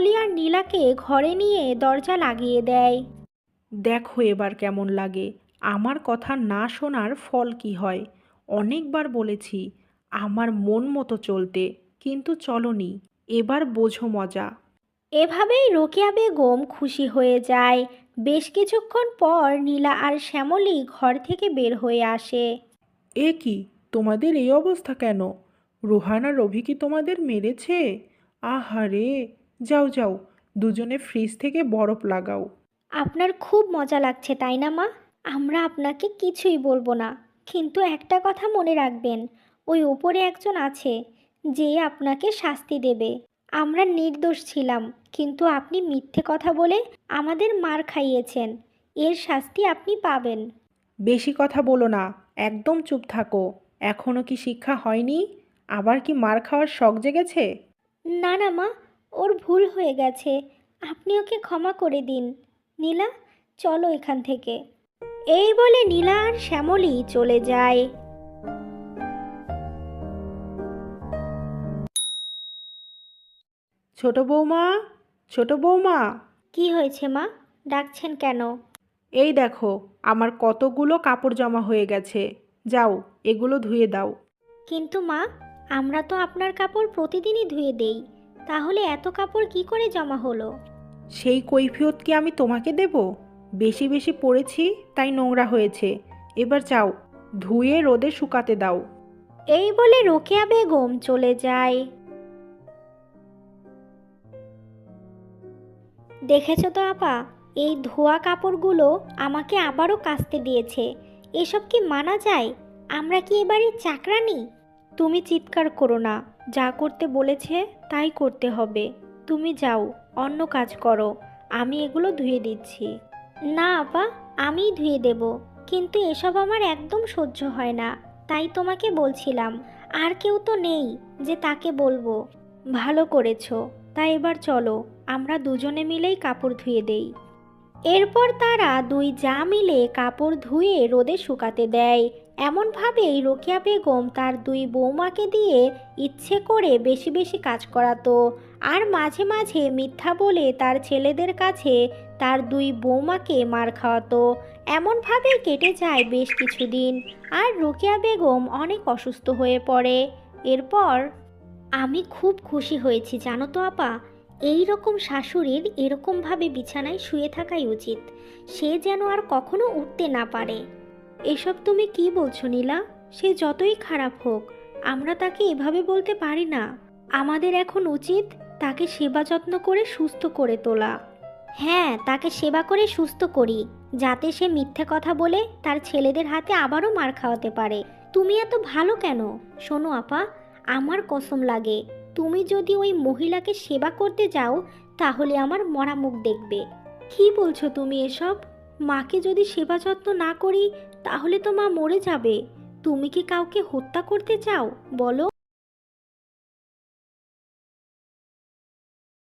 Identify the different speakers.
Speaker 1: আর নীলাকে ঘরে নিয়ে দরজা লাগিয়ে দেয়।
Speaker 2: দেখো এবার কেমন লাগে, আমার কথা না শোনার ফল কি হয়। অনেকবার বলেছি আমার মন মতো চলতে, কিন্তু চলনি। এবার বোঝো মজা।
Speaker 1: এভাবেই রোকেয়া বেগম খুশি হয়ে যায়। বেশ কিছুক্ষণ পর নীলা আর শ্যামলী ঘর থেকে বের হয়ে আসে।
Speaker 2: এ কি, তোমাদের এই অবস্থা কেন? রোহান আর রবি কি তোমাদের মেরেছে? আহারে, যাও যাও, দুজনে ফ্রিজ থেকে বরফ লাগাও।
Speaker 1: আপনার খুব মজা লাগছে তাই না মা? আমরা আপনাকে কিছুই বলবো না, কিন্তু একটা কথা মনে রাখবেন, ওই উপরে একজন আছে যে আপনাকে শাস্তি দেবে। আমরা নির্দোষ ছিলাম, কিন্তু আপনি মিথ্যে কথা বলে আমাদের মার খাইয়েছেন। এর শাস্তি আপনি পাবেন।
Speaker 2: বেশি কথা বলো না, একদম চুপ থাকো। এখনো কি শিক্ষা হয়নি? আবার কি মার খাওয়ার শখ জেগেছে?
Speaker 1: না না মা, ওর ভুল হয়ে গেছে, আপনি ওকে ক্ষমা করে দিন। নীলা, চলো এখান থেকে। এই বলে নীলা আর শ্যামলী চলে যায়।
Speaker 2: ছোট বৌমা, ছোট বৌমা।
Speaker 1: কি হয়েছে মা, ডাকছেন কেন?
Speaker 2: এই দেখো, আমার কতগুলো কাপড় জমা হয়ে গেছে। যাও, এগুলো ধুয়ে দাও।
Speaker 1: কিন্তু মা, আমরা তো আপনার কাপড় প্রতিদিনই ধুয়ে দেই, তাহলে এত কাপড় কি করে জমা হলো?
Speaker 2: সেই কৈফিয়ত কি আমি তোমাকে দেব? বেশি বেশি পড়েছি, তাই নোংরা হয়েছে। এবার যাও, ধুয়ে রোদে শুকাতে দাও।
Speaker 1: এই বলে রোকেয়া বেগম চলে যায়। দেখেছো তো আপা, এই ধোয়া কাপড়গুলো আমাকে আবারও কাচতে দিয়েছে। এসব কি মানা যায়? আমরা কি এবারে চাকরানি? তুমি চিৎকার করো না, যা করতে বলেছে তাই করতে হবে। তুমি যাও, অন্য কাজ করো, আমি এগুলো ধুয়ে দিচ্ছি। না আপা, আমিই ধুয়ে দেব, কিন্তু এসব আমার একদম সহ্য হয় না, তাই তোমাকে বলছিলাম। আর কেউ তো নেই যে তাকে বলবো। ভালো করেছো, তাই এবার চলো, আমরা দুজনে মিলেই কাপড় ধুয়ে দেই। এরপর তারা দুই যা মিলে কাপড় ধুয়ে রোদে শুকাতে দেয়। এমনভাবেই রোকেয়া বেগম তার দুই বৌমাকে দিয়ে ইচ্ছে করে বেশি বেশি কাজ করাতো, আর মাঝে মাঝে মিথ্যা বলে তার ছেলেদের কাছে তার দুই বৌমাকে মার খাওয়াতো। এমনভাবে কেটে যায় বেশ কিছুদিন, আর রোকেয়া বেগম অনেক অসুস্থ হয়ে পড়ে। এরপর আমি খুব খুশি হয়েছি জানো তো আপা, এই রকম শাশুড়ির এরকমভাবে বিছানায় শুয়ে থাকাই উচিত, সে যেন আর কখনো উঠতে না পারে। এসব তুমি কি বলছো নীলা? সে যতই খারাপ হোক, আমরা তাকে এভাবে বলতে পারি না। আমাদের এখন উচিত তাকে সেবা যত্ন করে সুস্থ করে তোলা। হ্যাঁ, তাকে সেবা করে সুস্থ করি, যাতে সে মিথ্যে কথা বলে তার ছেলেদের হাতে আবারও মার খাওয়াতে পারে। তুমি এত ভালো কেন? শোনো আপা, আমার কসম লাগে, তুমি যদি ওই মহিলাকে সেবা করতে যাও, তাহলে আমার মরা মুখ দেখবে। কি বলছো তুমি এসব? মাকে যদি সেবা যত্ন না করি, তাহলে তো মা মরে যাবে। তুমি কি কাউকে হত্যা করতে চাও বলো?